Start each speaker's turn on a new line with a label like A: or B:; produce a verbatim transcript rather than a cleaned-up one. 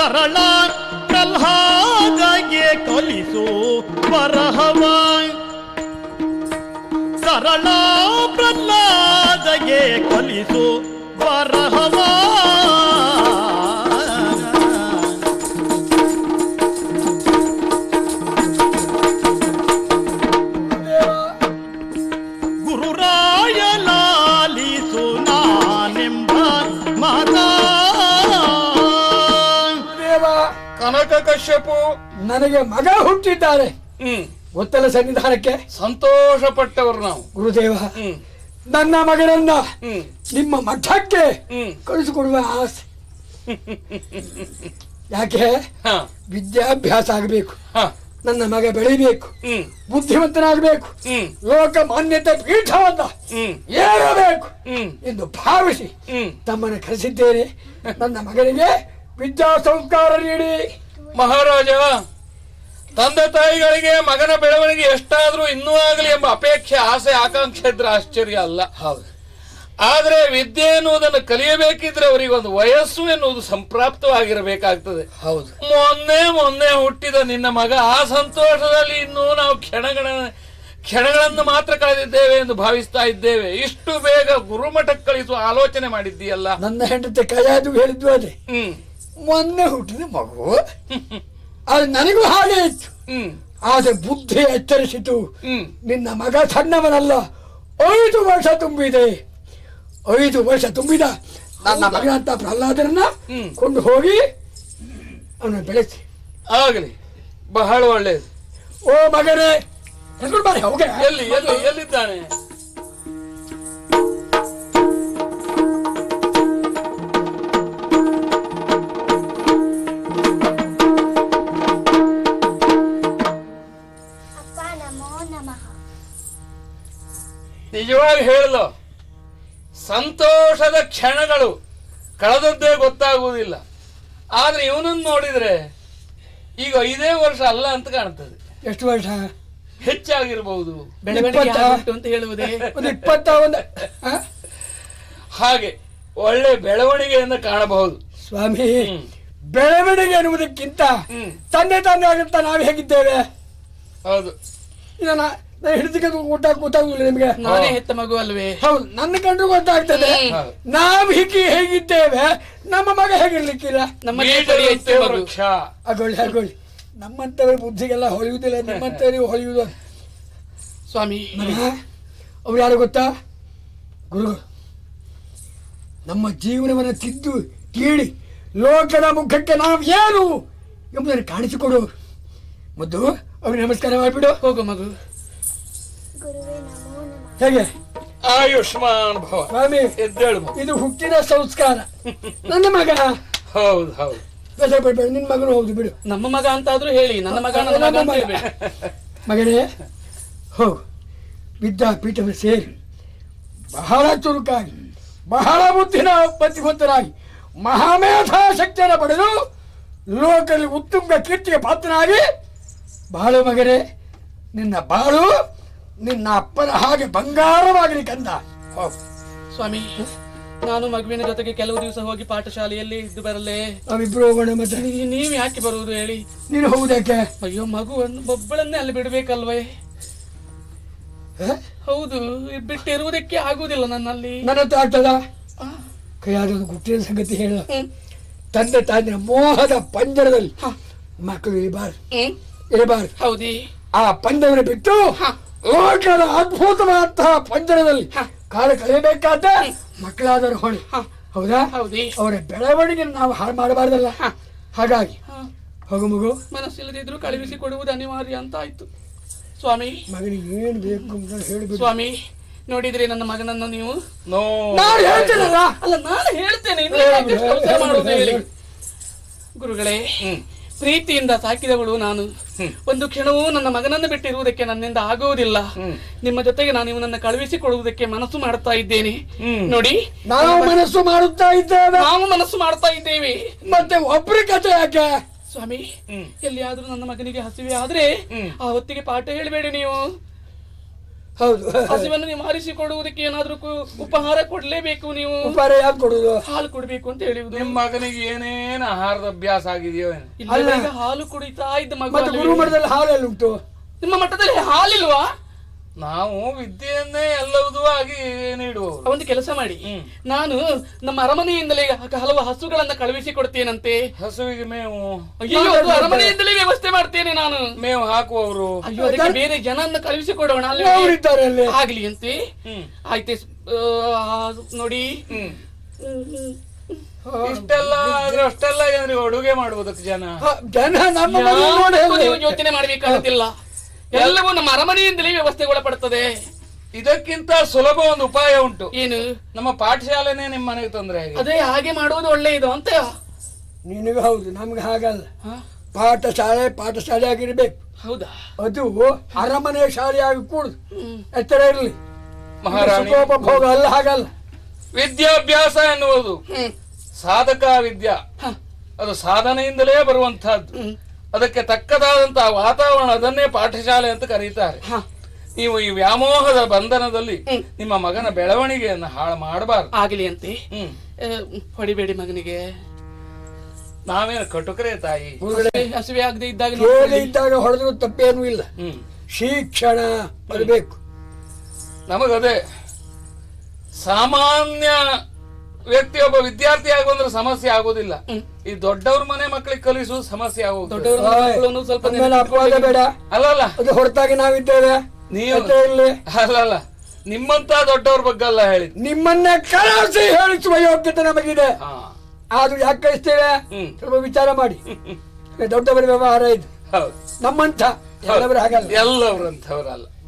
A: ಸರಳ ಪ್ರಹ್ಲಾದಗೆ ಕಲಿಸು ಬರಹವ ಸರಳ ಪ್ರಹ್ಲಾದಗೆ ಕಲಿಸು ಬರಹವ ಗುರುರಾಯ ಲಾಲಿಸು ನಾನೆಂಬ ಮಾತಾ
B: ಕನಕ ಕಶ್ಯಪು
C: ನನಗೆ ಮಗ ಹುಟ್ಟಿದ್ದಾರೆ.
B: ಹ್ಮ್
C: ಗೊತ್ತಲ್ಲ ಸನ್ನಿಧಾನಕ್ಕೆ
B: ಸಂತೋಷ ಪಟ್ಟವರು ನಾವು.
C: ಗುರುದೇವ,
B: ಹ್ಮ್
C: ನನ್ನ ಮಗನನ್ನ
B: ಹ್ಮ್
C: ನಿಮ್ಮ ಮಠಕ್ಕೆ
B: ಹ್ಮ್
C: ಕಳಿಸಿಕೊಡುವ ಆಸೆ. ಯಾಕೆ?
B: ಹ
C: ವಿದ್ಯಾಭ್ಯಾಸ ಆಗಬೇಕು,
B: ಹ
C: ನನ್ನ ಮಗ ಬೆಳಿಬೇಕು,
B: ಹ್ಮ್
C: ಬುದ್ಧಿವಂತನಾಗಬೇಕು,
B: ಹ್ಮ್
C: ಲೋಕ ಮಾನ್ಯತೆ ಪೀಠವನ್ನ
B: ಹ್ಮ್
C: ಏರಬೇಕು
B: ಹ್ಮ್
C: ಎಂದು ಭಾವಿಸಿ
B: ಹ್ಮ್
C: ತಮ್ಮನ್ನು ಕರೆಸಿದ್ದೇನೆ. ನನ್ನ ಮಗನಿಗೆ ವಿದ್ಯಾ ಸಂಸ್ಕಾರ ನೀಡಿ.
B: ಮಹಾರಾಜ, ತಂದೆ ತಾಯಿಗಳಿಗೆ ಮಗನ ಬೆಳವಣಿಗೆ ಎಷ್ಟಾದ್ರೂ ಇನ್ನೂ ಆಗಲಿ ಎಂಬ ಅಪೇಕ್ಷೆ, ಆಸೆ, ಆಕಾಂಕ್ಷೆ ಇದ್ರೆ ಆಶ್ಚರ್ಯ ಅಲ್ಲ.
C: ಹೌದು.
B: ಆದ್ರೆ ವಿದ್ಯೆ ಎನ್ನುವುದನ್ನು ಕಲಿಯಬೇಕಿದ್ರೆ ಅವರಿಗೆ ಒಂದು ವಯಸ್ಸು ಎನ್ನುವುದು ಸಂಪ್ರಾಪ್ತವಾಗಿರಬೇಕಾಗ್ತದೆ.
C: ಹೌದು.
B: ಮೊನ್ನೆ ಮೊನ್ನೆ ಹುಟ್ಟಿದ ನಿನ್ನ ಮಗ, ಆ ಸಂತೋಷದಲ್ಲಿ ಇನ್ನೂ ನಾವು ಕ್ಷಣಗಳ ಕ್ಷಣಗಳನ್ನು ಮಾತ್ರ ಕಳೆದಿದ್ದೇವೆ ಎಂದು ಭಾವಿಸ್ತಾ ಇದ್ದೇವೆ. ಇಷ್ಟು ಬೇಗ ಗುರುಮಠಕ್ಕೆ ಕಳಿಸುವ ಆಲೋಚನೆ ಮಾಡಿದ್ದೀಯಲ್ಲ.
C: ನನ್ನ ಹೆಂಡತಿ ಕೈಯಾದು ಹೇಳಿದ್ವು ಅದೇ.
B: ಹ್ಮ್
C: ಮೊನ್ನೆ ಹುಟ್ಟಿದ ಮಗು, ಅದು ನನಗೂ ಹಾಗೆ ಇತ್ತು.
B: ಹ್ಮ್
C: ಆದ್ರೆ ಬುದ್ಧಿ ಎಚ್ಚರಿಸಿತು.
B: ಹ್ಮ್
C: ನಿನ್ನ ಮಗ ಸಣ್ಣವನಲ್ಲ, ಐದು ವರ್ಷ ತುಂಬಿದೆ. ಐದು ವರ್ಷ ತುಂಬಿದ ನನ್ನ ಮಗನಂತ ಪ್ರಹ್ಲಾದರನ್ನ
B: ಹ್ಮ್.
C: ಕೊಂಡು ಹೋಗಿ ಅವನ ಬೆಳೆಸಿ.
B: ಆಗಲಿ, ಬಹಳ ಒಳ್ಳೆಯದು.
C: ಓ ಮಗನೇ, ಎಲ್ರು ಬಾರಿ, ಹೋಗೆ.
B: ಎಲ್ಲಿ ಎಲ್ಲಿ ಎಲ್ಲಿದ್ದಾನೆ? ನಿಜವಾಗಿ ಹೇಳಲು ಸಂತೋಷದ ಕ್ಷಣಗಳು ಕಳೆದದ್ದೇ ಗೊತ್ತಾಗುವುದಿಲ್ಲ. ಆದ್ರೆ ಇವನನ್ನು ನೋಡಿದ್ರೆ ಈಗ ಐದೇ ವರ್ಷ ಅಲ್ಲ ಅಂತ ಕಾಣ್ತದೆ.
C: ಎಷ್ಟು ವರ್ಷ
B: ಹೆಚ್ಚಾಗಿರಬಹುದು,
C: ಅಂತ ಹೇಳುವುದೇ. ಒಂದು ಇಪ್ಪತ್ತ ಒಂದು
B: ಹಾಗೆ ಒಳ್ಳೆ ಬೆಳವಣಿಗೆಯನ್ನು ಕಾಣಬಹುದು.
C: ಸ್ವಾಮಿ, ಬೆಳವಣಿಗೆ ಎನ್ನುವುದಕ್ಕಿಂತ ತಂದೆ ತಂದೆ ಆಗುತ್ತಾ ನಾವು ಹೇಗಿದ್ದೇವೆ?
B: ಹೌದು.
C: ಇದನ್ನ ಹಿಡಿದಕ್ಕೆ ಊಟ ಗೊತ್ತಾಗುದಿಲ್ಲ ನಿಮ್ಗೆ?
D: ನಾನೇ ಹೆತ್ತ ಮಗು ಅಲ್ವೇ?
C: ಹೌದು, ನನ್ನ ಕಂಡು ಗೊತ್ತಾಗ್ತದೆ. ನಾವು ಹೀಗೆ ಹೇಗಿದ್ದೇವೆ, ನಮ್ಮ ಮಗ ಹೇಗಿರ್ಲಿಕ್ಕಿಲ್ಲ. ಆಗೊಳ್ಳಿ ಆಗೊಳ್ಳಿ, ನಮ್ಮಂತವ್ರ ಬುದ್ಧಿಗೆಲ್ಲ ಹೊಳೆಯುವುದಿಲ್ಲ, ನಿಮ್ಮಂತವ್ರಿಗೆ ಹೊಳೆಯುವುದು.
D: ಸ್ವಾಮಿ,
C: ಅವ್ರು ಯಾರು ಗೊತ್ತಾ? ಗುರುಗಳು. ನಮ್ಮ ಜೀವನವನ್ನು ತಿದ್ದು ತೀಡಿ ಲೋಕದ ಮುಖಕ್ಕೆ ನಾವು ಏನು ಎಂಬುದನ್ನು ಕಾಣಿಸಿಕೊಡುವರು. ಮುದ್ದು, ಅವ್ರಿಗೆ ನಮಸ್ಕಾರ ಮಾಡಿಬಿಡು.
D: ಹೋಗು ಮಗು.
C: ಹೇಗೆ?
B: ಆಯುಷ್ಮಾನ್ ಭವ.
C: ಸ್ವಾಮಿ,
B: ಎದ್ದೇಳು.
C: ಇದು ಹುಟ್ಟಿನ ಸಂಸ್ಕಾರ. ನನ್ನ ಮಗ.
B: ಹೌದು ಹೌದು.
C: ಬೇಸರ ಪಡ್ಬೇಡ, ನಿನ್ನ ಮಗನು ಹೌದು ಬಿಡು.
D: ನಮ್ಮ ಮಗ ಅಂತಾದ್ರೂ ಹೇಳಿ, ನನ್ನ ಮಗ ನನ್ನ ಮಗ ಅಂತ ಹೇಳ್ಬೇಡಿ.
C: ಮಗನೇ, ಹೋಗು, ವಿದ್ಯಾಪೀಠವನ್ನು ಸೇರಿ ಬಹಳ ಚುರುಕಾಗಿ, ಬಹಳ ಬುದ್ಧಿನ ಬುದ್ಧಿವಂತರಾಗಿ, ಮಹಾಮೇಧಾಶಕ್ತಿಯನ್ನು ಪಡೆದು ಲೋಕದಲ್ಲಿ ಉತ್ತುಂಗ ಕೀರ್ತಿಗೆ ಪಾತ್ರನಾಗಿ ಬಾಳು ಮಗನೇ. ನಿನ್ನ ಬಾಳು ನಿನ್ನ ಅಪ್ಪನ ಹಾಗೆ ಬಂಗಾರವಾಗಲಿ ಕಂದ.
D: ಸ್ವಾಮಿ, ನಾನು ಮಗುವಿನ ಜೊತೆಗೆ ಕೆಲವು ದಿವಸ ಹೋಗಿ ಪಾಠಶಾಲೆಯಲ್ಲಿ ಇದ್ದು ಬರಲೇ?
C: ನಾವಿಬ್ರು ಹೋಗೋಣ. ಮತ್ತೆ
D: ನೀವು ಯಾಕೆ ಬರುವುದು ಹೇಳಿ?
C: ನೀನು ಹೋಗುದಕ್ಕೆ?
D: ಅಯ್ಯೋ, ಮಗುವನ್ನು ಒಬ್ಬಳನ್ನೇ ಅಲ್ಲಿ ಬಿಡ್ಬೇಕಲ್ವೇ? ಹೌದು, ಬಿಟ್ಟಿರುವುದಕ್ಕೆ ಆಗುವುದಿಲ್ಲ ನನ್ನಲ್ಲಿ.
C: ನನ್ನ ಹತ್ರ ಆಗ್ತದ? ಕೈಯಾದ ಗುಟ್ಟಿನ ಸಂಗತಿ ಹೇಳ. ತಂದೆ ತಾಯಿನ ಮೋಹದ ಪಂಜರದಲ್ಲಿ ಮಕ್ಕಳು ಇರಬಾರ್ದು ಇರಬಾರ್ದು
D: ಹೌದಿ?
C: ಆ ಪಂಜರವನ್ನು ಬಿಟ್ಟು ಲೋಕದ ಅದ್ಭುತವಾದಂತಹ ಪಂಜರದಲ್ಲಿ ಕಾಲ ಕಳೆಯಬೇಕಾದ ಮಕ್ಕಳಾದರೂ ಹೊಣೆ. ಹೌದಾ?
D: ಹೌದಿ?
C: ಅವರ ಬೆಳವಣಿಗೆ ನಾವು ಹಾಳು ಮಾಡಬಾರ್ದಲ್ಲ. ಹಾಗಾಗಿ ಹೋಗು ಮಗು.
D: ಮನಸ್ಸಿಲ್ಲದಿದ್ರು ಕಳುಹಿಸಿ ಕೊಡುವುದು ಅನಿವಾರ್ಯ ಅಂತ ಆಯ್ತು. ಸ್ವಾಮಿ,
C: ಮಗನಿಗೆ ಏನ್ ಬೇಕು ಅಂತ ಹೇಳಿಬಿಡು.
D: ಸ್ವಾಮಿ, ನೋಡಿದ್ರಿ ನನ್ನ ಮಗನನ್ನು ನೀವು?
C: ನಾನು ಹೇಳ್ತೇನಲ್ಲ.
D: ಅಲ್ಲ, ನಾನು ಹೇಳ್ತೇನೆ. ಹೇಳಿ ಗುರುಗಳೇ, ಪ್ರೀತಿಯಿಂದ ಸಾಕಿದವಳು ನಾನು. ಒಂದು ಕ್ಷಣವೂ ನನ್ನ ಮಗನನ್ನು ಬಿಟ್ಟಿರುವುದಕ್ಕೆ ನನ್ನಿಂದ ಆಗುವುದಿಲ್ಲ. ನಿಮ್ಮ ಜೊತೆಗೆ ನಾನು ಇವನನ್ನು ಕಳುಹಿಸಿಕೊಡುವುದಕ್ಕೆ ಮನಸ್ಸು ಮಾಡ್ತಾ ಇದ್ದೇನೆ. ನೋಡಿ,
C: ನಾವು ಮನಸ್ಸು ಮಾಡುತ್ತಾ ಇದ್ದೇವೆ.
D: ನಾವು ಮನಸ್ಸು ಮಾಡ್ತಾ ಇದ್ದೇವೆ.
C: ಮತ್ತೆ ಒಬ್ಬರ ಕಥೆ ಯಾಕೆ?
D: ಸ್ವಾಮಿ, ಎಲ್ಲಿಯಾದ್ರೂ ನನ್ನ ಮಗನಿಗೆ ಹಸಿವೆ ಆದ್ರೆ ಆ ಹೊತ್ತಿಗೆ ಪಾಠ ಹೇಳಬೇಡಿ ನೀವು.
C: ಹೌದು.
D: ಹಸಿವನ್ನು ನೀವು ಆರಿಸಿಕೊಡುವುದಕ್ಕೆ ಏನಾದ್ರೂ ಕು- ಉಪಹಾರ ಕೊಡ್ಲೇಬೇಕು ನೀವು.
C: ಉಪಹಾರ ಯಾಕೆ ಕೊಡುದು?
D: ಹಾಲು ಕೊಡ್ಬೇಕು ಅಂತ ಹೇಳುವುದು.
B: ನಿಮ್ ಮಗನಿಗೆ ಏನೇನು ಆಹಾರದ ಅಭ್ಯಾಸ ಆಗಿದೆಯೋ ಏನು?
D: ಇಲ್ಲಿವರೆಗೆ ಹಾಲು ಕುಡಿತಾ ಇದ್ದ ಮಗ
C: ಮತ್ತೆ ಗುರು ಮಠದಲ್ಲಿ ಹಾಲು ಎಲ್ಲ ಉಂಟು?
D: ನಿಮ್ಮ ಮಠದಲ್ಲಿ ಹಾಲಿಲ್ವಾ?
B: ನಾವು ವಿದ್ಯೆಯನ್ನೇ ಎಲ್ಲವುದೂ ಆಗಿ ನೀಡುವವರು.
D: ಒಂದು ಕೆಲಸ ಮಾಡಿ, ನಾನು ನಮ್ಮ ಅರಮನೆಯಿಂದಲೇ ಹಲವು ಹಸುಗಳನ್ನ ಕಳುಹಿಸಿ ಕೊಡ್ತೇನಂತೆ.
B: ಹಸುವಿಗೆ ಮೇವು?
D: ಅಯ್ಯೋ, ಅದು ಅರಮನೆಯಿಂದಲೇ ವ್ಯವಸ್ಥೆ ಮಾಡ್ತೇನೆ ನಾನು.
B: ಮೇವು ಹಾಕುವವರು?
D: ಅಯ್ಯೋ, ಅದಕ್ಕೆ ಬೇರೆ ಜನನ್ನ ಕಳುಹಿಸಿ ಕೊಡೋಣ.
C: ಅವರಿದ್ದಾರೆ ಅಲ್ಲಿ.
D: ಆಗ್ಲಿ ಅಂತೆ. ಆಯ್ತೆ, ಆ, ನೋಡಿ.
B: ಇಷ್ಟೆಲ್ಲ ಆದ್ರೆ ಅಷ್ಟೆಲ್ಲ ಏನ್ರಿ ಅಡುಗೆ ಮಾಡುವುದಕ್ಕೆ ಜನ
C: ಹ, ಜನ ನಮ್ಮ ಮನೆ ನೋಡಿ
D: ಯಾವತ್ತೂ
C: ಹೇಳಿ.
D: ನೀವು ಯೋಚನೆ ಮಾಡ್ಬೇಕಾಗುತ್ತಿಲ್ಲ. ಎಲ್ಲವೂ ನಮ್ಮ ಅರಮನೆಯಿಂದಲೇ ವ್ಯವಸ್ಥೆಗೊಳಪಡುತ್ತದೆ.
B: ಇದಕ್ಕಿಂತ ಸುಲಭ ಒಂದು ಉಪಾಯ ಉಂಟು.
D: ಏನು?
B: ನಮ್ಮ ಪಾಠಶಾಲೆನೇ ನಿಮ್ಮ ಮನೆಗೆ ತೊಂದರೆ ಆಗಿದೆ.
D: ಅದೇ ಹಾಗೆ ಮಾಡುವುದು ಒಳ್ಳೆಯದು ಅಂತ.
C: ನಿನಗೆ ಹೌದು, ನಮ್ಗೆ ಹಾಗಲ್ಲ.
D: ಹ?
C: ಪಾಠಶಾಲೆ ಪಾಠಶಾಲೆ ಆಗಿರ್ಬೇಕು.
D: ಹೌದಾ?
C: ಅದು ಅರಮನೆ ಶಾಲೆಯಾಗಿ ಕೂಡುದು. ಎತ್ತರ ಇರಲಿ.
B: ಮಹಾರಾಣಿ,
C: ಸುಖೋಪಭೋಗ ಅಲ್ಲ, ಹಾಗಲ್ಲ.
B: ವಿದ್ಯಾಭ್ಯಾಸ ಎನ್ನುವುದು ಸಾಧಕ ವಿದ್ಯಾ. ಅದು ಸಾಧನೆಯಿಂದಲೇ ಬರುವಂತಹದ್ದು. ಅದಕ್ಕೆ ತಕ್ಕದಾದಂತಹ ವಾತಾವರಣ, ಅದನ್ನೇ ಪಾಠಶಾಲೆ ಅಂತ ಕರೀತಾರೆ. ನೀವು ಈ ವ್ಯಾಮೋಹದ ಬಂಧನದಲ್ಲಿ ನಿಮ್ಮ ಮಗನ ಬೆಳವಣಿಗೆಯನ್ನು ಹಾಳು ಮಾಡಬಾರ್ದು.
D: ಆಗಲಿ ಅಂತೆ.
B: ಹ್ಮ್
D: ಹೊಡಿಬೇಡಿ ಮಗನಿಗೆ.
B: ನಾವೇನು ಕಟುಕರೇ ತಾಯಿ?
D: ಹಸಿವೆ ಆಗದೆ ಇದ್ದಾಗ
C: ಕೇಳಿ ಇದ್ದಾಗ ಹೊಡೆದ್ರು ತಪ್ಪೇನೂ ಇಲ್ಲ.
B: ಹ್ಮ್
C: ಶಿಕ್ಷಣ ಬರಬೇಕು.
B: ನಮಗದೇ ಸಾಮಾನ್ಯ ವ್ಯಕ್ತಿಯೊಬ್ಬ ವಿದ್ಯಾರ್ಥಿ ಆಗುವಂದ್ರೆ ಸಮಸ್ಯೆ ಆಗೋದಿಲ್ಲ. ಈ ದೊಡ್ಡವ್ರ ಮನೆ ಮಕ್ಕಳಿಗೆ ಕಲಿಸುವುದು ಸಮಸ್ಯೆ ಆಗೋದು.
D: ದೊಡ್ಡವರ ಮಕ್ಕಳನ್ನು ಸ್ವಲ್ಪ
C: ಆಮೇಲೆ ಅಪವಾದ ಬೇಡ.
B: ಅಲ್ಲಲ್ಲ,
C: ಅದು ಹೊರತಾಗಿ ನಾವಿದ್ದೇವೆ.
B: ನೀವು
C: ಎತ್ತರ ಇರ್ಲಿ.
B: ಅಲ್ಲಲ್ಲ, ನಿಮ್ಮಂತ ದೊಡ್ಡವ್ರ ಬಗ್ಗೆ ಅಲ್ಲ ಹೇಳಿದ್.
C: ನಿಮ್ಮನ್ನೇ ಕಳಿಸಿ ಹೇಳಿಸುವ ಯೋಗ್ಯತೆ ನಮಗಿದೆ.
B: ಹಾ,
C: ಆದ್ರೂ ಯಾಕೆ ಕಳಿಸ್ತೇವೆ?
B: ಹ್ಮ್.
C: ಸ್ವಲ್ಪ ವಿಚಾರ ಮಾಡಿ. ದೊಡ್ಡವರ ವ್ಯವಹಾರ ಇದು.
B: ಹೌದು.
C: ನಮ್ಮಂತ ಎಲ್ಲವರು ಹಾಗಲ್ಲ.
B: ಎಲ್ಲವರಂಥವ್ರಲ್ಲ.